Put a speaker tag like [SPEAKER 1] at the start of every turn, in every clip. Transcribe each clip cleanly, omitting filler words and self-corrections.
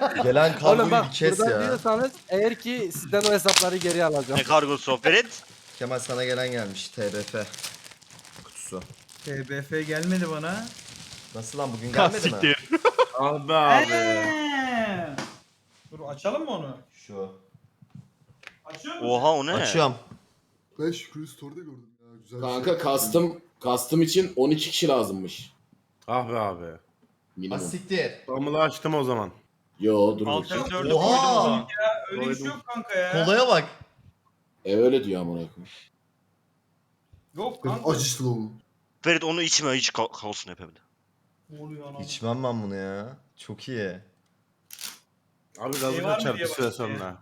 [SPEAKER 1] Gelen
[SPEAKER 2] Oğlum
[SPEAKER 1] kargoyu
[SPEAKER 2] bak
[SPEAKER 1] bir kes
[SPEAKER 2] buradan
[SPEAKER 1] ya.
[SPEAKER 2] diyorsanız eğer ki sizden o hesapları geri alacağım.
[SPEAKER 3] Ne kargosu o Ferit?
[SPEAKER 1] Kemal sana gelen gelmiş TBF kutusu.
[SPEAKER 4] TBF gelmedi bana.
[SPEAKER 1] Nasıl lan bugün gelmedi mi?
[SPEAKER 5] Ah be abi.
[SPEAKER 4] Dur açalım mı onu?
[SPEAKER 1] Şu.
[SPEAKER 4] Açıyor musun?
[SPEAKER 3] Oha o ne?
[SPEAKER 1] Açıyorum.
[SPEAKER 6] Ben Şükrü'yü story'de gördüm ya. Güzel bir
[SPEAKER 7] Kanka
[SPEAKER 6] şey.
[SPEAKER 7] custom için 12 kişi lazımmış.
[SPEAKER 5] Ah be abi.
[SPEAKER 7] Minimum.
[SPEAKER 1] Asiktir.
[SPEAKER 5] Damla açtım o zaman.
[SPEAKER 7] Yo dur
[SPEAKER 8] Alt
[SPEAKER 7] bakayım.
[SPEAKER 8] F4'ü koydum o
[SPEAKER 1] Oha!
[SPEAKER 8] zaman.
[SPEAKER 4] Öyle bir şey yok kanka ya.
[SPEAKER 1] Kolaya bak.
[SPEAKER 7] Öyle diyor amına koyayım.
[SPEAKER 4] Yok
[SPEAKER 6] Benim
[SPEAKER 4] kanka.
[SPEAKER 6] acı işte oğlum.
[SPEAKER 3] Ferit onu içme hiç kalsın hep evde.
[SPEAKER 4] Ne oluyor anam?
[SPEAKER 1] İçmem ben bunu ya. Çok iyi.
[SPEAKER 5] Abi
[SPEAKER 4] Şey
[SPEAKER 5] gazı
[SPEAKER 4] var mı
[SPEAKER 5] kaçar bir
[SPEAKER 4] diye
[SPEAKER 5] süre
[SPEAKER 4] bakıyor.
[SPEAKER 5] sonra.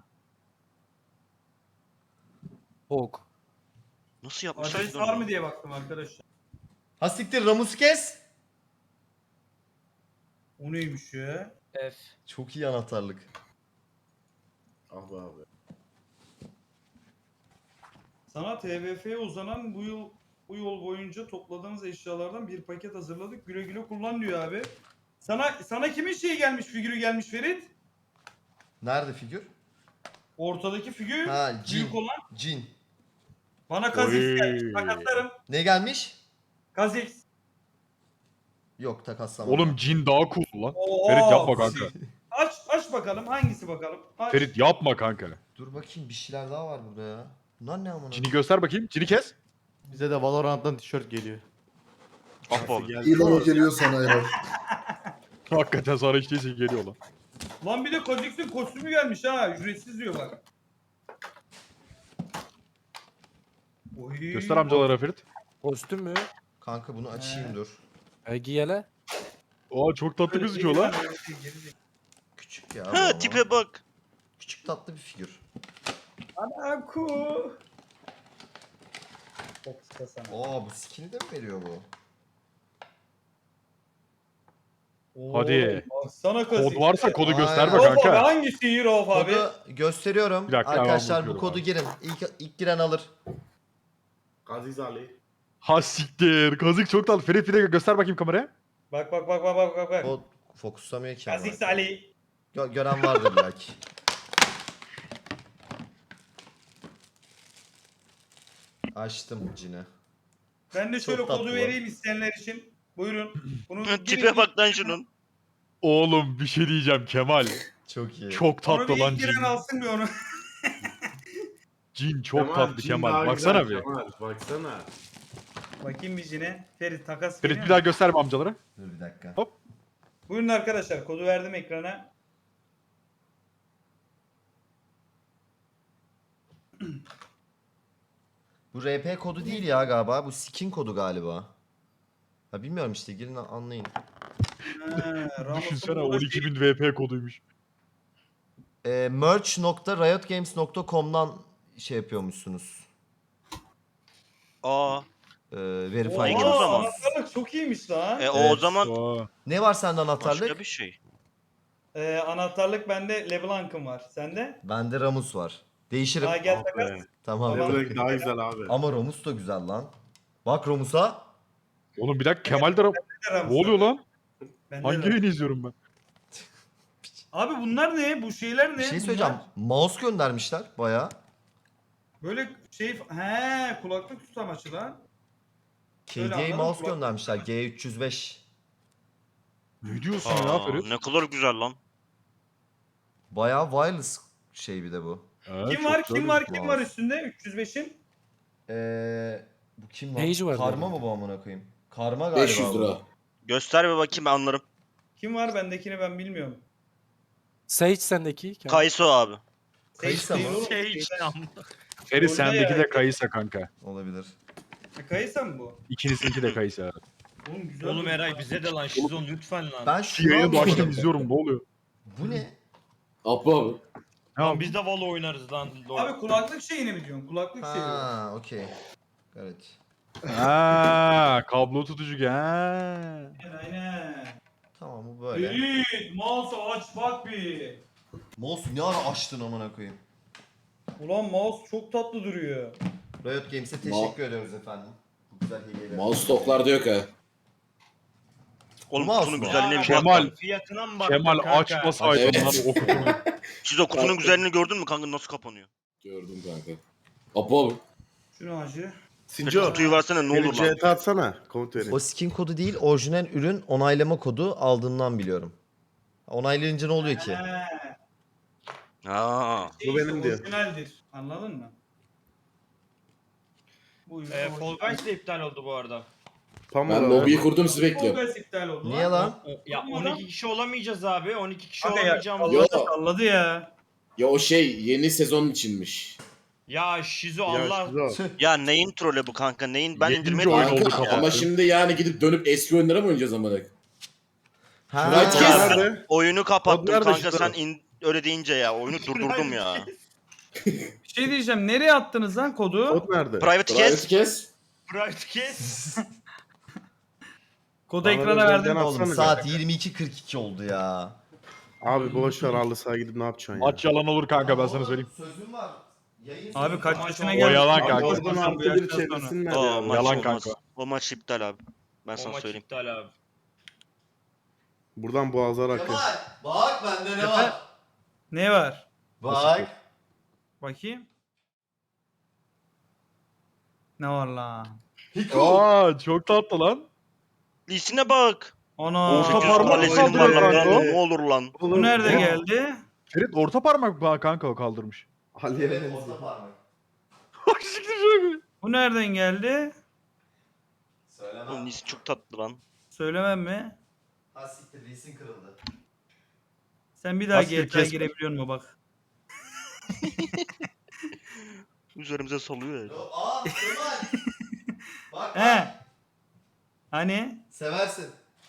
[SPEAKER 2] Hok.
[SPEAKER 3] Nasıl yapmışlar?
[SPEAKER 4] Adres var mı diye baktım arkadaşlar.
[SPEAKER 1] Asiktir Ramus kes.
[SPEAKER 4] O neymiş ya?
[SPEAKER 8] F.
[SPEAKER 1] Çok iyi anahtarlık.
[SPEAKER 5] Ah be abi.
[SPEAKER 4] Sana TBF'ye uzanan bu yol boyunca topladığınız eşyalardan bir paket hazırladık. Güle güle kullan diyor abi. Sana kimin şeyi gelmiş, figürü gelmiş Ferit?
[SPEAKER 1] Nerede figür?
[SPEAKER 4] Ortadaki figür
[SPEAKER 1] Ha cin.
[SPEAKER 4] büyük olan.
[SPEAKER 1] Cin.
[SPEAKER 4] Bana Kazix
[SPEAKER 5] Oy.
[SPEAKER 4] gelmiş. Takaslarım.
[SPEAKER 1] Ne gelmiş?
[SPEAKER 4] Kazix.
[SPEAKER 1] Yok takaslamam.
[SPEAKER 9] Oğlum cin daha cool lan.
[SPEAKER 4] Oo,
[SPEAKER 9] Ferit yapma kanka.
[SPEAKER 4] Aç bakalım hangisi bakalım. Aç.
[SPEAKER 9] Ferit yapma kanka.
[SPEAKER 1] Dur bakayım bir şeyler daha var burada ya. Bunlar ne amına?
[SPEAKER 9] Cini göster bakayım. Cini kes.
[SPEAKER 10] Bize de Valorant'tan tişört geliyor.
[SPEAKER 3] Ah be abi.
[SPEAKER 6] İlan o geliyor sana ya.
[SPEAKER 9] Hakikaten sana hiç değilse geliyor lan.
[SPEAKER 4] Lan bir de Kazix'in kostümü gelmiş ha. Ücretsiz diyor bak. Oy.
[SPEAKER 9] Göster amcalara Ferit.
[SPEAKER 2] Kostüm mü?
[SPEAKER 1] Kanka bunu açayım dur.
[SPEAKER 2] Giyele.
[SPEAKER 9] Aa çok tatlı gözüküyor lan.
[SPEAKER 1] Küçük ya. bu
[SPEAKER 3] Ha
[SPEAKER 1] ama.
[SPEAKER 3] tipe bak.
[SPEAKER 1] Küçük tatlı bir figür.
[SPEAKER 4] Anaku. Çok kısa sana.
[SPEAKER 1] Oo bu skin'i de mi veriyor bu?
[SPEAKER 9] Hadi.
[SPEAKER 4] Sana Kazix.
[SPEAKER 9] Kod varsa kodu
[SPEAKER 1] Aynen.
[SPEAKER 9] göster be
[SPEAKER 4] Rauf abi
[SPEAKER 9] kanka.
[SPEAKER 4] hangisi Rauf abi?
[SPEAKER 1] Kodu gösteriyorum.
[SPEAKER 9] Bir dakika, hemen
[SPEAKER 1] Arkadaşlar bu
[SPEAKER 9] bakıyorum
[SPEAKER 1] kodu
[SPEAKER 9] abi.
[SPEAKER 1] girin. İlk giren alır.
[SPEAKER 5] Aziz Ali.
[SPEAKER 9] Ha siktir. Kazık çok tatlı. Ferit bir de göster bakayım kameraya.
[SPEAKER 4] Bak.
[SPEAKER 1] O fokuslamıyor ki. ama.
[SPEAKER 4] Kazix Ali.
[SPEAKER 1] Gören vardır belki. Açtım cini.
[SPEAKER 4] Ben de şöyle
[SPEAKER 1] Çok tatlı
[SPEAKER 4] kodu
[SPEAKER 1] lan.
[SPEAKER 4] vereyim isteyenler için. Buyurun. Bunu
[SPEAKER 3] Tipe bak lan şunun.
[SPEAKER 9] Oğlum bir şey diyeceğim Kemal.
[SPEAKER 1] Çok iyi.
[SPEAKER 9] Çok
[SPEAKER 4] Onu
[SPEAKER 9] tatlı
[SPEAKER 4] bir
[SPEAKER 9] lan
[SPEAKER 4] ilk giren
[SPEAKER 9] cin.
[SPEAKER 4] alsın bir onu.
[SPEAKER 9] Cin çok
[SPEAKER 5] Kemal,
[SPEAKER 9] tatlı
[SPEAKER 5] cin
[SPEAKER 9] Kemal.
[SPEAKER 5] daha
[SPEAKER 9] Baksana
[SPEAKER 5] güzel
[SPEAKER 9] bir.
[SPEAKER 5] Kemal, baksana.
[SPEAKER 4] Bakayım bir cine. Ferit takas
[SPEAKER 9] Ferit
[SPEAKER 4] geliyor
[SPEAKER 9] bir
[SPEAKER 4] mu?
[SPEAKER 9] daha gösterme amcalara.
[SPEAKER 1] Dur bir dakika.
[SPEAKER 9] Hop.
[SPEAKER 4] Buyurun arkadaşlar kodu verdim ekrana.
[SPEAKER 1] Bu RP kodu değil ya galiba. Bu skin kodu galiba. Ha bilmiyorum işte girin anlayın.
[SPEAKER 9] Düşünsene 12.000 VP koduymuş.
[SPEAKER 1] Merch.riotgames.com'dan şey yapıyormuşsunuz.
[SPEAKER 3] Aa.
[SPEAKER 1] Verify
[SPEAKER 3] Oha,
[SPEAKER 1] ediyorsunuz.
[SPEAKER 3] o zaman.
[SPEAKER 4] Anahtarlık çok iyiymiş lan.
[SPEAKER 3] O
[SPEAKER 1] Evet.
[SPEAKER 3] zaman
[SPEAKER 9] Aa.
[SPEAKER 1] Ne var sende anahtarlık?
[SPEAKER 3] başka bir şey.
[SPEAKER 4] Anahtarlık bende LeBlanc'ım var. Sende?
[SPEAKER 1] Bende Ramus var. Değişirim.
[SPEAKER 4] Aa gel
[SPEAKER 5] Ah
[SPEAKER 4] takas.
[SPEAKER 5] be.
[SPEAKER 1] Tamam.
[SPEAKER 4] Tamam.
[SPEAKER 5] Levrek daha güzel abi.
[SPEAKER 1] Ama Ramus da güzel lan. Bak Ramus'a.
[SPEAKER 9] Oğlum bir dakika Kemal de... Ne oluyor lan? Hangi yayını izliyorum ben?
[SPEAKER 4] Abi bunlar ne? Bu şeyler ne?
[SPEAKER 1] Bir şey
[SPEAKER 4] Bunlar
[SPEAKER 1] söyleyeceğim. Mouse göndermişler baya.
[SPEAKER 4] Böyle şey... He kulaklık tutamaçı lan. Öyle
[SPEAKER 1] KDA
[SPEAKER 4] anladım,
[SPEAKER 1] mouse
[SPEAKER 4] kulak-
[SPEAKER 1] göndermişler. G305.
[SPEAKER 9] Ne diyorsun ya
[SPEAKER 3] Aa,
[SPEAKER 9] Ferit?
[SPEAKER 3] ne kadar güzel lan.
[SPEAKER 1] Baya wireless şey bir de bu.
[SPEAKER 9] Ha,
[SPEAKER 4] Kim
[SPEAKER 9] çok
[SPEAKER 4] var?
[SPEAKER 9] güzel
[SPEAKER 4] Kim var?
[SPEAKER 1] gözüküyor.
[SPEAKER 4] Kim var üstünde? 305'in.
[SPEAKER 1] Bu kim lan?
[SPEAKER 2] Page var
[SPEAKER 1] Karma
[SPEAKER 2] zaten.
[SPEAKER 1] mı bu amına koyayım? Karma galiba
[SPEAKER 7] 500
[SPEAKER 1] bu.
[SPEAKER 7] lira.
[SPEAKER 3] Göster bir bakayım ben anlarım.
[SPEAKER 4] Kim var? Bendekini ben bilmiyorum.
[SPEAKER 2] Sage sendeki.
[SPEAKER 3] Kayısı o abi.
[SPEAKER 1] Kayısa mı?
[SPEAKER 4] Değil oğlum,
[SPEAKER 8] Şey
[SPEAKER 4] şeyden.
[SPEAKER 8] işte
[SPEAKER 9] Ferit
[SPEAKER 4] Öyle
[SPEAKER 9] sendeki
[SPEAKER 4] ya.
[SPEAKER 9] de kayısa kanka.
[SPEAKER 1] Olabilir.
[SPEAKER 4] Kayısa mı bu?
[SPEAKER 9] İkinizinki de kayısa.
[SPEAKER 4] Oğlum güzel.
[SPEAKER 8] Oğlum Eray bize de lan Şizon lütfen lan.
[SPEAKER 1] Ben
[SPEAKER 9] Şu
[SPEAKER 1] şunu
[SPEAKER 9] yayını da açtım
[SPEAKER 1] anlamadım.
[SPEAKER 9] izliyorum ne oluyor?
[SPEAKER 1] Bu ne?
[SPEAKER 7] Apo abi.
[SPEAKER 8] Lan biz de Valo oynarız lan.
[SPEAKER 4] Abi kulaklık şeyini mi diyorsun? Kulaklık şeyi.
[SPEAKER 1] Ha, okey. Evet.
[SPEAKER 9] Ha, kablo tutucu ha.
[SPEAKER 4] Aynen.
[SPEAKER 1] Tamam bu böyle.
[SPEAKER 4] Ferit, mouse'u aç bak bir.
[SPEAKER 1] Mouse ne ara açtın amına koyayım?
[SPEAKER 4] Ulan mouse çok tatlı duruyor.
[SPEAKER 1] Riot Games'e teşekkür ediyoruz efendim. Bu güzel hediyeler.
[SPEAKER 7] Mouse stoklarda yok ha.
[SPEAKER 3] Oğlum
[SPEAKER 1] mouse
[SPEAKER 3] kutunun
[SPEAKER 1] mu?
[SPEAKER 3] güzelliğine bir
[SPEAKER 9] Kemal.
[SPEAKER 3] bak.
[SPEAKER 8] Fiyatına mı baktın
[SPEAKER 9] Kemal
[SPEAKER 8] kanka?
[SPEAKER 9] açmasaydın
[SPEAKER 7] Evet.
[SPEAKER 9] lan o kutuyu.
[SPEAKER 3] Şizo kutunun güzelliğini gördün mü kanka nasıl kapanıyor?
[SPEAKER 7] Gördüm kanka. Apo abi.
[SPEAKER 4] Şunu hacı.
[SPEAKER 5] Sinco.
[SPEAKER 3] Kutuyu versene ne
[SPEAKER 5] Beni
[SPEAKER 3] olur lan.
[SPEAKER 5] CT atsana. Komut verin.
[SPEAKER 1] O skin kodu değil, orijinal ürün onaylama kodu aldığından biliyorum. Onaylayınca ne oluyor ki?
[SPEAKER 3] Ha.
[SPEAKER 5] Bu benim diyor.
[SPEAKER 4] Orijinaldir. Anladın mı? Bu ürün
[SPEAKER 8] Fall
[SPEAKER 4] orijinal.
[SPEAKER 8] Guys de iptal oldu bu arada.
[SPEAKER 5] Pamuk
[SPEAKER 7] Ben
[SPEAKER 5] abi.
[SPEAKER 7] lobiyi kurdum sizi
[SPEAKER 4] Fall
[SPEAKER 7] bekliyorum.
[SPEAKER 4] Guys iptal oldu
[SPEAKER 1] Niye lan?
[SPEAKER 8] Ya 12 kişi olamayacağız abi. 12 kişi
[SPEAKER 4] Kanka ya,
[SPEAKER 8] olamayacağımız.
[SPEAKER 7] Yo.
[SPEAKER 4] salladı ya.
[SPEAKER 7] Ya o şey yeni sezon içinmiş.
[SPEAKER 8] Ya Şizo
[SPEAKER 5] Ya
[SPEAKER 8] Allah.
[SPEAKER 5] Şizo.
[SPEAKER 3] Ya neyin trolü bu kanka neyin? Ben
[SPEAKER 9] Yedinci
[SPEAKER 3] indirmedim.
[SPEAKER 9] oyun
[SPEAKER 3] ya.
[SPEAKER 9] oldu
[SPEAKER 7] Kanka,
[SPEAKER 9] kapattı.
[SPEAKER 7] ama şimdi yani gidip dönüp eski oyunlara mı oynayacağız amına?
[SPEAKER 1] Ha.
[SPEAKER 7] Right
[SPEAKER 3] Ya
[SPEAKER 7] Yes.
[SPEAKER 3] ben
[SPEAKER 5] Nerede?
[SPEAKER 3] oyunu kapattım
[SPEAKER 5] Nerede
[SPEAKER 3] kanka
[SPEAKER 5] Şizo?
[SPEAKER 3] sen öyle deyince ya oyunu durdurdum ya.
[SPEAKER 4] Bir şey diyeceğim. Nereye attınız lan kodu?
[SPEAKER 5] Kod nerede?
[SPEAKER 3] Private
[SPEAKER 7] Private
[SPEAKER 3] kes.
[SPEAKER 7] kes.
[SPEAKER 8] Private kes.
[SPEAKER 4] Kodu
[SPEAKER 5] Bana
[SPEAKER 4] ekrana
[SPEAKER 5] özelden
[SPEAKER 4] verdim.
[SPEAKER 5] at.
[SPEAKER 1] Oğlum
[SPEAKER 5] Atsana
[SPEAKER 1] saat 22.42 oldu ya.
[SPEAKER 5] Abi boş ver halı sahaya gidip ne yapacaksın ya?
[SPEAKER 9] Maç yalan olur kanka ben sana söyleyeyim.
[SPEAKER 1] Sözüm var. Yayın
[SPEAKER 4] Abi kaç yaşına
[SPEAKER 9] O
[SPEAKER 4] geldin?
[SPEAKER 9] yalan
[SPEAKER 5] Abi
[SPEAKER 9] kanka.
[SPEAKER 5] oradan
[SPEAKER 4] Bu
[SPEAKER 5] artı bir
[SPEAKER 4] yaştan sonra.
[SPEAKER 5] çevirsinler
[SPEAKER 3] O
[SPEAKER 5] ya.
[SPEAKER 3] maç
[SPEAKER 9] Yalan
[SPEAKER 3] olmaz.
[SPEAKER 9] kanka.
[SPEAKER 3] O maç iptal abi. Ben
[SPEAKER 8] O
[SPEAKER 3] sana
[SPEAKER 8] maç
[SPEAKER 3] söyleyeyim.
[SPEAKER 8] iptal abi.
[SPEAKER 5] Buradan boğazlar akıyor.
[SPEAKER 1] Bak bende ne
[SPEAKER 4] var? Ne var?
[SPEAKER 1] Bak.
[SPEAKER 4] Bakayım. Ne var lan?
[SPEAKER 9] Aa çok tatlı lan.
[SPEAKER 3] Lisine bak.
[SPEAKER 4] Ana.
[SPEAKER 9] Orta
[SPEAKER 3] 800
[SPEAKER 9] parmak
[SPEAKER 3] kalesinin
[SPEAKER 9] kaldırıyor
[SPEAKER 3] var lan
[SPEAKER 9] kanka o.
[SPEAKER 3] ne olur lan.
[SPEAKER 4] Bu nerede
[SPEAKER 9] Ya.
[SPEAKER 4] geldi?
[SPEAKER 9] Ferit orta parmak kanka o kaldırmış.
[SPEAKER 5] Ali'ye
[SPEAKER 1] Evet,
[SPEAKER 5] benziyor.
[SPEAKER 1] orta parmak.
[SPEAKER 9] Bak siktir şöyle.
[SPEAKER 4] Bu nereden geldi?
[SPEAKER 3] Oğlum
[SPEAKER 1] Söylemem.
[SPEAKER 3] Lisin çok tatlı lan.
[SPEAKER 4] Söylemem mi?
[SPEAKER 1] Ha siktir, lisin kırıldı.
[SPEAKER 4] Sen bir daha
[SPEAKER 9] Asker
[SPEAKER 4] GTA'ya
[SPEAKER 9] kesme.
[SPEAKER 4] girebiliyor musun bak?
[SPEAKER 3] Üzerimize salıyor ya.
[SPEAKER 1] Aa Kemal. Bak
[SPEAKER 4] He. Hani?
[SPEAKER 1] Seversin.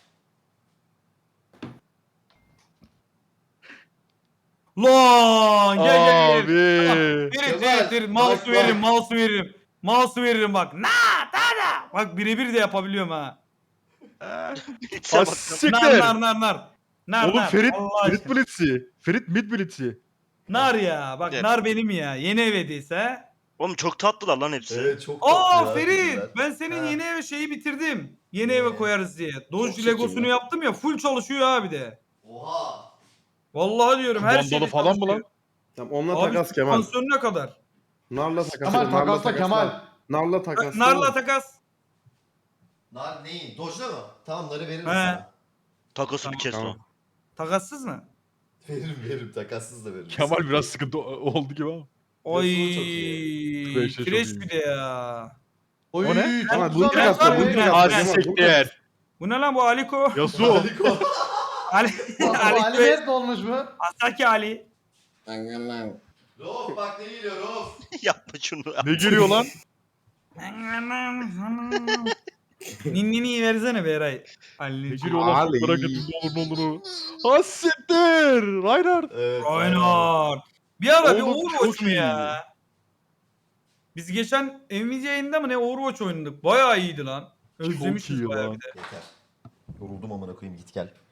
[SPEAKER 4] Lan gel.
[SPEAKER 9] Abi.
[SPEAKER 4] Verin
[SPEAKER 1] Kemal,
[SPEAKER 4] verin mouse
[SPEAKER 1] bak,
[SPEAKER 4] veririm
[SPEAKER 1] bak.
[SPEAKER 4] mouse veririm. Mouse veririm bak. Na. Bak birebir de yapabiliyorum ha.
[SPEAKER 3] Hitse
[SPEAKER 9] Ha
[SPEAKER 3] bak.
[SPEAKER 4] Nar
[SPEAKER 9] siktir.
[SPEAKER 4] nar. Nar
[SPEAKER 9] Oğlum
[SPEAKER 4] nar.
[SPEAKER 9] Ferit,
[SPEAKER 4] Allah
[SPEAKER 9] Ferit
[SPEAKER 4] aşkına.
[SPEAKER 9] Blitz'i. Ferit mid Blitz'i.
[SPEAKER 4] Nar ya. Bak
[SPEAKER 3] Evet.
[SPEAKER 4] nar benim ya. Yeni ev hediyesi ha.
[SPEAKER 3] Oğlum çok tatlılar lan hepsi.
[SPEAKER 1] Evet çok
[SPEAKER 4] Aa
[SPEAKER 1] tatlı ya,
[SPEAKER 4] Ferit
[SPEAKER 1] güzel.
[SPEAKER 4] ben senin
[SPEAKER 1] Ha.
[SPEAKER 4] yeni eve şeyi bitirdim. Yeni
[SPEAKER 1] Ne?
[SPEAKER 4] eve koyarız diye. Doge
[SPEAKER 7] çirkin
[SPEAKER 4] Legosunu
[SPEAKER 7] lan.
[SPEAKER 4] yaptım ya full çalışıyor abi de.
[SPEAKER 1] Oha.
[SPEAKER 4] Vallahi diyorum her
[SPEAKER 9] Vandalı
[SPEAKER 4] şeyde
[SPEAKER 9] falan mı
[SPEAKER 4] çalışıyor.
[SPEAKER 9] lan?
[SPEAKER 5] Tamam onunla
[SPEAKER 4] Abi
[SPEAKER 5] takas Kemal.
[SPEAKER 4] süspansiyonuna kadar.
[SPEAKER 5] Narla takas.
[SPEAKER 10] Kemal
[SPEAKER 5] Narla
[SPEAKER 10] takasla Kemal.
[SPEAKER 5] Narla takas.
[SPEAKER 4] Narla takas.
[SPEAKER 1] Nar neyin? Dojla mı? Tamam narı veririm
[SPEAKER 4] He.
[SPEAKER 1] sana.
[SPEAKER 3] Takosu bir kes
[SPEAKER 5] Tamam.
[SPEAKER 3] o.
[SPEAKER 4] Takassız mı?
[SPEAKER 1] Veririm takassız da veririm.
[SPEAKER 9] Kemal biraz sıkıntı oldu gibi ama.
[SPEAKER 4] Oy.
[SPEAKER 1] Yosun'u çok iyi.
[SPEAKER 9] Fresh de çok
[SPEAKER 4] Fresh
[SPEAKER 9] iyi.
[SPEAKER 4] bir de ya.
[SPEAKER 10] Oy,
[SPEAKER 9] O ne?
[SPEAKER 10] çok
[SPEAKER 5] Ama
[SPEAKER 10] güzel
[SPEAKER 5] bunu takas
[SPEAKER 10] lan.
[SPEAKER 5] da bunu
[SPEAKER 4] Ben-
[SPEAKER 5] takas.
[SPEAKER 9] Ha
[SPEAKER 4] ben-
[SPEAKER 5] Kemal, bunu takas.
[SPEAKER 9] siktir.
[SPEAKER 4] Bu ne lan bu Aliko?
[SPEAKER 9] Yasuo.
[SPEAKER 1] Harika.
[SPEAKER 4] Ali.
[SPEAKER 10] Bu
[SPEAKER 4] Ali.
[SPEAKER 10] Ali Mert olmuş mu?
[SPEAKER 4] Asaki Ali.
[SPEAKER 1] Rauf bak ne geliyor Rauf.
[SPEAKER 3] Yapma şunu.
[SPEAKER 9] Ne geliyor lan?
[SPEAKER 4] Ninnini versene be Eray.
[SPEAKER 9] Ne
[SPEAKER 4] Ali.
[SPEAKER 9] geliyor lan?
[SPEAKER 5] Ali.
[SPEAKER 9] Merak ettim ne olur ne olur. Ha siktir. Reinhardt.
[SPEAKER 1] Evet.
[SPEAKER 4] Aynen. Bir ara bir
[SPEAKER 9] Oğlum,
[SPEAKER 4] Overwatch
[SPEAKER 9] çok
[SPEAKER 4] mu
[SPEAKER 9] iyi.
[SPEAKER 4] ya? Biz geçen Nvidia yayında mı ne Overwatch oynadık. Bayağı iyiydi lan. Özlemişiz
[SPEAKER 9] iyi
[SPEAKER 4] bayağı
[SPEAKER 9] lan.
[SPEAKER 4] bir de.
[SPEAKER 1] Yeter. Yoruldum amına koyayım git gel.